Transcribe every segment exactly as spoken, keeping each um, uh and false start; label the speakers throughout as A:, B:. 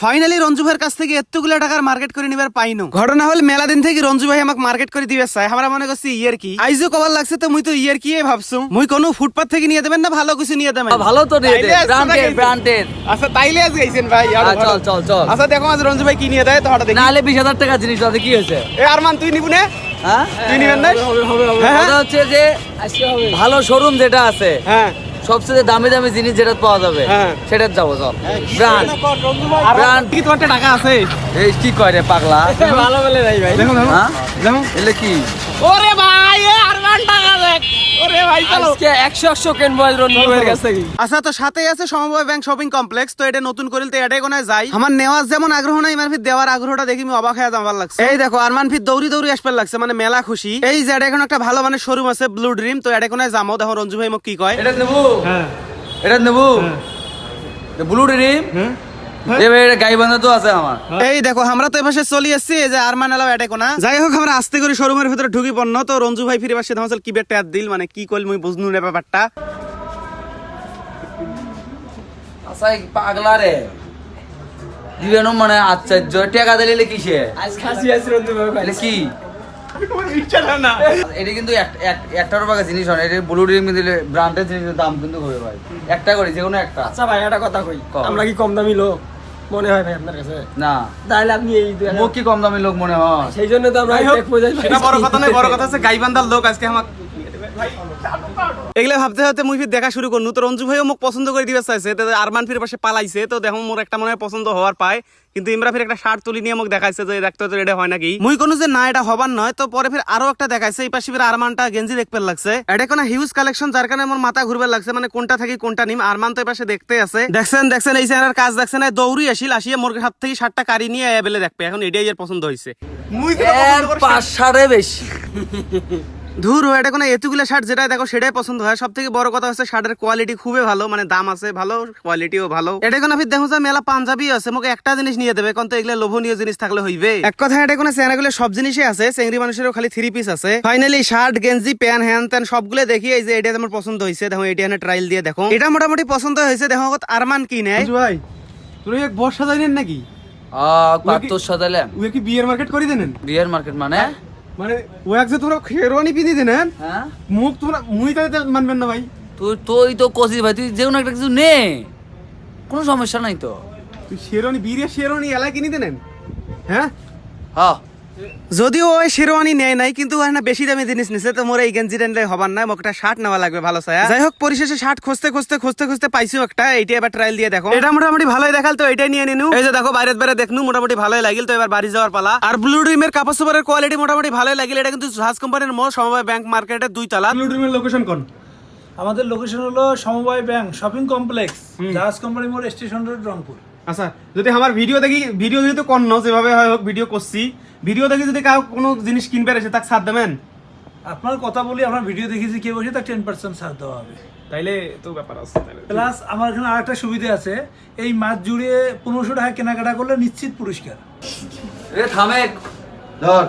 A: Finally Ranju ভাইয়ের কাছ থেকে এতগুলো টাকার মার্কেট করে নিবার পাইনো। ঘটনা হল মেলা দিন থেকে রঞ্জু ভাই আমাকে মার্কেট করে দিবে চাই। আমরা মনে করছি ইয়ার কি আইজো কবার লাগছে, তো মুই তো ইয়ার কি ভাবছো। মুই কোনো ফুটপাত থেকে নিয়ে দেবেন না ভালো কিছু নিয়ে দেবেন?
B: ভালো তো নিয়ে দে, ব্র্যান্ডেড ব্র্যান্ডেড।
A: আচ্ছা তাইলে আজ গাইছেন ভাই।
B: চল চল চল।
A: আচ্ছা দেখো আজ রঞ্জু ভাই কি নিয়ে দেয় তো হঠাৎ দেখি।
B: নালে বিশ হাজার টাকা জিনিস আছে, কি হয়েছে?
A: এ আরমান তুই নিবু না?
B: হ্যাঁ
A: তুই নিবেন না?
B: হবে হবে হবে।
A: হ্যাঁ,
B: কথা হচ্ছে যে ভালো শোরুম যেটা আছে,
A: হ্যাঁ
B: সবচেয়ে দামি দামি জিনিস যেটা পাওয়া যাবে
A: হ্যাঁ।
B: সেটা যাবো। চল ব্র্যান্ড ব্র্যান্ড
A: কি তোমার টাকা আছে?
B: এই কি কয় রে পাগলা,
A: ভালো বলে নাই ভাই। দেখো দেখো
B: হ্যাঁ
A: দেখো
B: এলে কি
A: ওরে ভাই এ আরমান টাকা দেখ। ওরে ভাই চলো
B: আজকে একশো একশো কেনবো রঞ্জু ভাইয়ের কাছ থেকে।
A: আচ্ছা তো সাথেই আছে সমবায় ব্যাংক শপিং কমপ্লেক্স। তো এটা নতুন করিল তো এটাই কোনায় যাই। আমার নেওয়ার যেমন আগ্রহ নাই, আমার ফির দেওয়ার আগ্রহটা দেখি আমি অবাক হয়ে যাবার লাগছে। এই দেখো আরমান ফির দৌড়ি দৌড়ি আসবার লাগছে, মানে মেলা খুশি। এই যে এটা এখন একটা ভালো মানে শোরুম আছে ব্লু ড্রিম, তো এটা কোনায় যাবো। দেখো রঞ্জু ভাই মোক কি কয়।
B: এটা নেবো,
A: হ্যাঁ
B: এটা নেবো ব্লু ড্রিম। এ ভাই এটা গাইবান্ধা তো আছে আমার।
A: এই দেখো আমরা তো এপাশে চলি আসছি, এই যে আরমান এলাও এটা কোনা। যাই হোক আমরা আস্তে করে শোরুমের ভিতরে ঢুকি পড়ন। তো রঞ্জু ভাই ফিরে পাশে ধামাচাল কি বেটা দিল, মানে কি কইল মুই বুঝনু না ব্যাপারটা।
B: আচ্ছা এই পাগলা রে দিবেন মানে আশ্চর্য টাকা দিলে কিসে
C: আজ খাসি আছে রঞ্জু ভাই।
B: এটা কি? এটা কিন্তু এক- এক- একটা টাকা জিনিস হয় না, এটা ব্লু ড্রিম দিলে ব্র্যান্ডের জিনিসের দাম কিন্তু হবে ভাই। একটা করে যে কোনো একটা।
C: আচ্ছা ভাই একটা কথা কই,
B: কও।
C: আমরা কি কম দামি লোক মনে হয় ভাই আপনার কাছে?
B: না
C: তাহলে আপনি এই দুই হাজার-
B: মুখ কি কম দামি লোক মনে হয়?
C: সেই জন্য তো আমরা এক পয়সায়
A: সেটা বড় কথা নয়, বড় কথা হচ্ছে গাইবান্ধার লোক আজকে আমার এগুলা ভাবতে ভাবতে মুই ফির দেখা শুরু করনু। তো রঞ্জু ভাইও মোক পছন্দ করে দিবে চাইছে, তো আরমান ফির পাশে পালাইছে। তো দেখো মোর একটা মনে হয় পছন্দ হওয়ার পায়, কিন্তু ইমরা ফির একটা শার্ট তুলি নিয়ে মোক দেখাইছে যে দেখতে তো এটা হয় নাকি। মুই কোনো যে না এটা হবার নয়। তো পরে ফির আরো একটা দেখাইছে, এই পাশে ফির আরমানটা গেঞ্জি দেখতে লাগছে। এটা কোনো হিউজ কালেকশন, যার কারণে আমার মাথা ঘুরবার লাগছে, মানে কোনটা থাকি কোনটা নিম। আরমান তো এই পাশে দেখতে আছে। দেখছেন দেখছেন এই চ্যানেলের কাজ দেখছেন, দৌড়ি আসিল আসিয়া মোর হাত থেকে শার্টটা কারি নিয়ে বেলে দেখবে। এখন এটাই এর পছন্দ হয়েছে। মুই
B: এর পাঁচ সাড়ে বেশি
A: ধুর এটা কোনো এতগুলো শার্ট যেটা দেখো সেটাই পছন্দ হয়। সব থেকে বড় কথা হচ্ছে শার্টের কোয়ালিটি খুবই ভালো, মানে দাম আছে ভালো, কোয়ালিটিও ভালো। এটা কোনো ফির দেখো মেলা পাঞ্জাবি আছে, মোকে একটা জিনিস নিয়ে দেবে, কারণ তো এগুলো লোভনীয় জিনিস থাকলে হইবে। এক কথা এটা কোনো চ্যানেলগুলো সব জিনিসই আছে, চেংড়ি মানুষেরও খালি থ্রি পিস আছে। ফাইনালি শার্ট গেঞ্জি প্যান্ট হ্যান ত্যান সবগুলো দেখি এই যে এটা আমার পছন্দ হয়েছে। দেখো এটা এনে ট্রায়াল দিয়ে দেখো, এটা মোটামুটি পছন্দ হয়েছে। দেখো আরমান কি নেয়
D: ভাই তুই এক বর্ষা যাইনেন নাকি?
B: আহ কাতর সাজালাম
D: ওই কি বিয়ের মার্কেট করে দেনেন?
B: বিয়ার মার্কেট মানে
D: মানে ও এক যে তোমরা শেরওয়ানি পিনি দেনেন,
B: হ্যাঁ
D: মুখ তোমরা মুই তাতে মানবেন না ভাই।
B: তুই তুই তো কষিস ভাই, তুই যে কোনো একটা কিছু নে, কোনো সমস্যা নাই তো।
D: তুই শেরওয়ানি বিয়ের শেরওয়ানি এলাই কিনি দেনেন? হ্যাঁ
B: হ্যাঁ
A: যদিও ওই শেরওয়ানি নেয় নাই, কিন্তু ওখানে বেশি দামি জিনিস নিছে। তো মোর এই গেঞ্জি টেনলে হবার না, মোক একটা শার্ট নেওয়া লাগবে ভালো ছায়া। যাই হোক পরিশেষে শার্ট খুঁজতে খুঁজতে খুঁজতে খুঁজতে পাইছি একটা। এইটা এবার ট্রায়াল দিয়ে দেখো, এটা মোটামুটি ভালোই দেখাল। তো এটাই নিয়ে নিনু। এই যে দেখো বাইরে বাইরে দেখনু মোটামুটি ভালোই লাগিল। তো এবার বাড়ি যাওয়ার পালা। আর ব্লু ড্রিমের কাপড় চোপড়ের কোয়ালিটি মোটামুটি ভালোই লাগিল। এটা কিন্তু জাহাজ কোম্পানির মোড়, সমবায় ব্যাংক মার্কেটের দুই তলা।
D: ব্লু ড্রিমের লোকেশন কোন?
E: আমাদের লোকেশন হলো সমবায় ব্যাংক শপিং কমপ্লেক্স, জাহাজ কোম্পানি মোড়, স্টেশন রোড, রংপুর।
D: আচ্ছা যদি আমার ভিডিও দেখি, ভিডিও যেহেতু কন্ন যেভাবে হয় হোক ভিডিও করছি, ভিডিও দেখি যদি কাউ কোনো জিনিস কিনবে এসে তাকে ছাড় দেবেন?
E: আপনার কথা বলি, আপনার ভিডিও দেখেছি কে বসে, তার টেন পার্সেন্ট ছাড় দেওয়া হবে।
D: তাইলে তো ব্যাপার আছে। তাইলে
E: প্লাস আমার এখানে আরেকটা সুবিধা আছে, এই মাস জুড়ে পনেরোশো টাকা কেনাকাটা করলে নিশ্চিত পুরস্কার।
B: এ থামে ধর,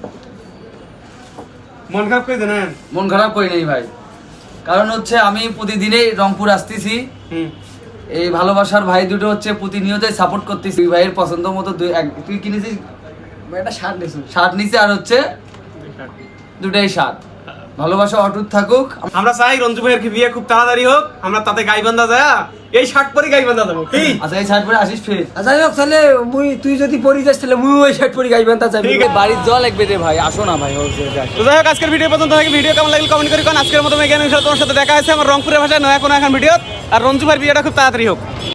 D: মন খারাপ করে দেনেন?
B: মন খারাপ করি নাই ভাই, কারণ হচ্ছে আমি প্রতিদিনই রংপুর আসতেছি।
D: হুম
B: এই ভালোবাসার ভাই দুটো হচ্ছে প্রতিনিয়তই সাপোর্ট করতেছি। ভাইয়ের পছন্দ মতো দুই এক তুই কিনেছিস
C: একটা শার্ট নিয়েছি।
B: শার্ট নিচে আর হচ্ছে দুটাই শার্ট। ভালোবাসা অটুট থাকুক।
D: আমরা চাই রঞ্জু ভাইয়ের বিয়ে খুব তাড়াতাড়ি হোক, আমরা তাতে গাইবান্ধা যায় এই শার্ট পরে গাইবান্ধা যাবো কি?
B: আচ্ছা এই শার্ট পরে আসিস ফের।
C: যাই হোক তাহলে মুই তুই যদি পরি যাস তাহলে মুই ওই শার্ট পরি গাইবেন তা যাবি।
B: বাড়ির জল লাগবে রে ভাই, আসো না ভাই।
A: তো যাই হোক আজকের ভিডিও পর্যন্ত থাকে। ভিডিও কেমন লাগলো কমেন্ট করে কোন। আজকের মতো মেগান তোমার সাথে দেখা হয়েছে আমার রংপুরের ভাষায় নয়া কোনো এখন ভিডিও। আর রঞ্জু ভাইয়ের বিয়েটা খুব তাড়াতাড়ি হোক।